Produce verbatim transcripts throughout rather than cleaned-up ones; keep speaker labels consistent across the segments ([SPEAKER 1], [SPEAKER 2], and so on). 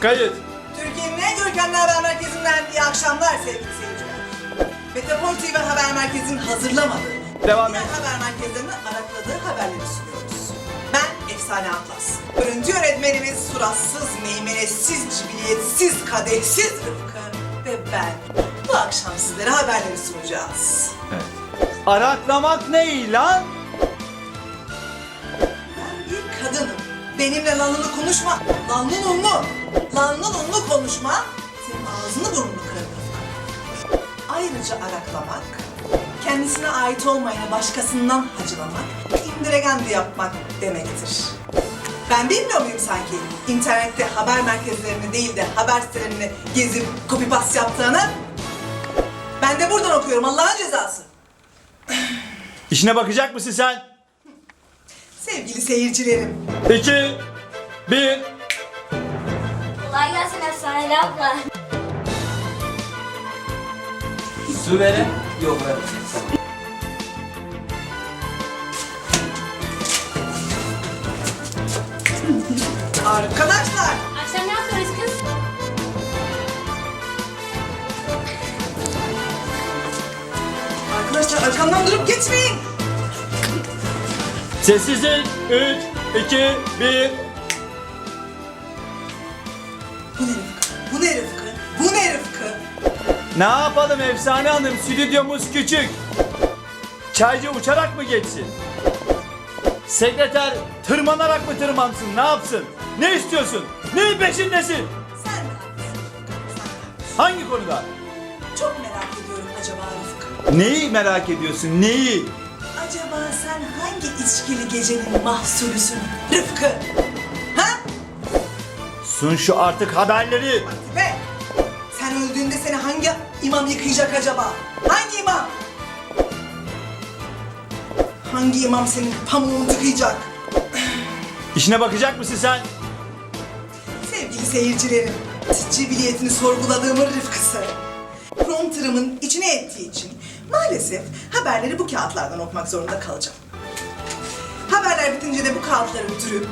[SPEAKER 1] Kayıt.
[SPEAKER 2] Türkiye'nin en görkemli haber merkezinden iyi akşamlar sevgili seyirciler. Metropol T V Haber Merkezi'nin hazırlamadığı,
[SPEAKER 1] Devam
[SPEAKER 2] diğer
[SPEAKER 1] et.
[SPEAKER 2] haber merkezlerinin arakladığı haberleri sunuyoruz. Ben Efsane Atlas. Görüntü yönetmenimiz suratsız, meymenetsiz, cibiliyetsiz, kadehsiz Rıfkı ve ben bu akşam sizlere haberleri sunacağız.
[SPEAKER 1] Evet. Araklamak ne lan?
[SPEAKER 2] Ben bir kadınım. Benimle lanlı konuşma. Lanlı unlu. Lanlı unlu konuşma. Senin ağzını burnunu kırarım Rıfkı. Ayrıca araklamak, kendisine ait olmayanı başkasından hacılamak, indiregendi yapmak demektir. Ben bilmiyor muyum sanki internette haber merkezlerini değil de haber sitelerini gezip copy paste yaptığını? Ben de buradan okuyorum Allah'ın cezası.
[SPEAKER 1] İşine bakacak mısın sen?
[SPEAKER 2] Sevgili seyircilerim,
[SPEAKER 1] İki, bir.
[SPEAKER 3] Kolay gelsin Efsaneli abla.
[SPEAKER 4] Su verin. Yok ver.
[SPEAKER 2] arkadaşlar.
[SPEAKER 3] Akşam ne yapıyoruz kız?
[SPEAKER 2] Arkadaşlar arkamdan durup geçmeyin.
[SPEAKER 1] Sessizlik. Üç, iki, bir.
[SPEAKER 2] Bu ne Rıfkı? Bu ne Rıfkı? Bu ne Rıfkı?
[SPEAKER 1] Ne yapalım Efsane Hanım? Stüdyomuz küçük. Çaycı uçarak mı geçsin? Sekreter tırmanarak mı tırmansın? Ne yapsın? Ne istiyorsun? Neyin peşindesin?
[SPEAKER 2] Sen de haklısın Rıfkı. Sen de haklısın.
[SPEAKER 1] Hangi konuda?
[SPEAKER 2] Çok merak ediyorum acaba Rıfkı.
[SPEAKER 1] Neyi merak ediyorsun? Neyi?
[SPEAKER 2] Acaba sen hangi içkili gecenin mahsulüsün Rıfkı? Ha?
[SPEAKER 1] Sun şu artık haberleri.
[SPEAKER 2] Hadi be! Sen öldüğünde seni hangi imam yıkayacak acaba? Hangi imam? Hangi imam senin pamuğunu tıkayacak?
[SPEAKER 1] İşine bakacak mısın sen?
[SPEAKER 2] Sevgili seyircilerim, cibiliyetini sorguladığımın Rıfkısı. Prompterımın içine ettiği için maalesef haberleri bu kağıtlardan okumak zorunda kalacağım. Haberler bitince de bu kağıtları dürüp,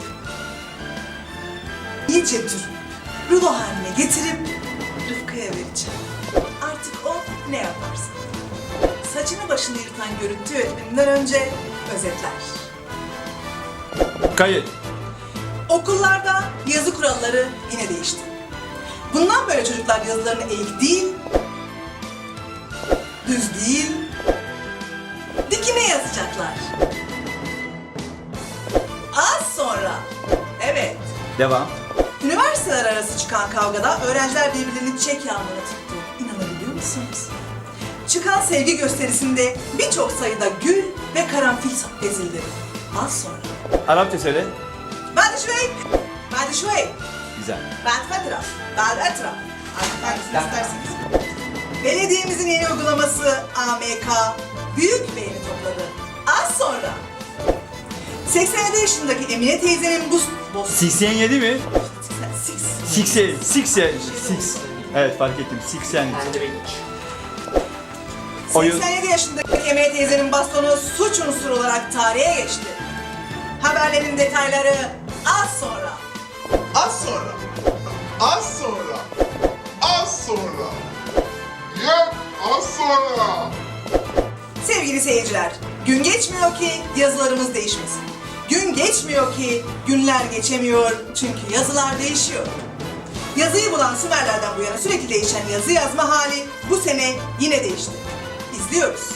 [SPEAKER 2] iyice dürüp, rulo haline getirip Rıfkı'ya vereceğim. Artık o ne yaparsa. Saçını başını yırtan görüntü yönetmeninden önce özetler.
[SPEAKER 1] Kayıt.
[SPEAKER 2] Okullarda yazı kuralları yine değişti. Bundan böyle çocuklar yazılarını eğik değil, düz değil, dikine yazacaklar. Az sonra, evet,
[SPEAKER 1] Devam.
[SPEAKER 2] üniversiteler arası çıkan kavgada öğrenciler birbirlerini çiçek yağmuruna tuttu. İnanabiliyor musunuz? Çıkan sevgi gösterisinde birçok sayıda gül ve karanfil ezildi. Az sonra.
[SPEAKER 1] Arapça söyle.
[SPEAKER 2] Ben de şöyle, ben de şöyle.
[SPEAKER 1] Güzel.
[SPEAKER 2] Ben Fatra, ben Etra. Artık hangisini isterseniz. Belediyemizin yeni uygulaması A M K büyük beğeni topladı. Az sonra seksen yedi yaşındaki Emine teyzenin bu... bu
[SPEAKER 1] seksen yedi mi?
[SPEAKER 2] Six.
[SPEAKER 1] seksen, seksen, six. Evet fark ettim. seksen. Oyun.
[SPEAKER 2] seksen yedi yaşındaki Emine teyzenin bastonu suç unsuru olarak tarihe geçti. Haberlerin detayları az sonra.
[SPEAKER 5] Az sonra, az sonra, az sonra, yep, az sonra.
[SPEAKER 2] Sevgili seyirciler, gün geçmiyor ki yazılarımız değişmesin. Gün geçmiyor ki günler geçemiyor çünkü yazılar değişiyor. Yazıyı bulan Sümerlerden bu yana sürekli değişen yazı yazma hali bu sene yine değişti. İzliyoruz.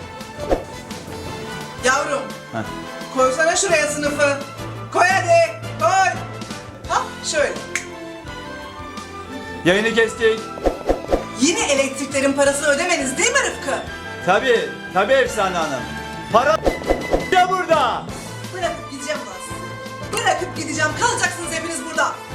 [SPEAKER 2] Yavrum,
[SPEAKER 1] Heh.
[SPEAKER 2] koysana şuraya sınıfı. Koy hadi, koy. Hah, şöyle.
[SPEAKER 1] Yayını kestik.
[SPEAKER 2] Yine elektriklerin parasını ödemeniz değil mi Rıfkı?
[SPEAKER 1] Tabii, tabii Efsane Hanım. Para ya burada.
[SPEAKER 2] Bırakıp gideceğim ulan sizi. Bırakıp gideceğim, kalacaksınız hepiniz burada.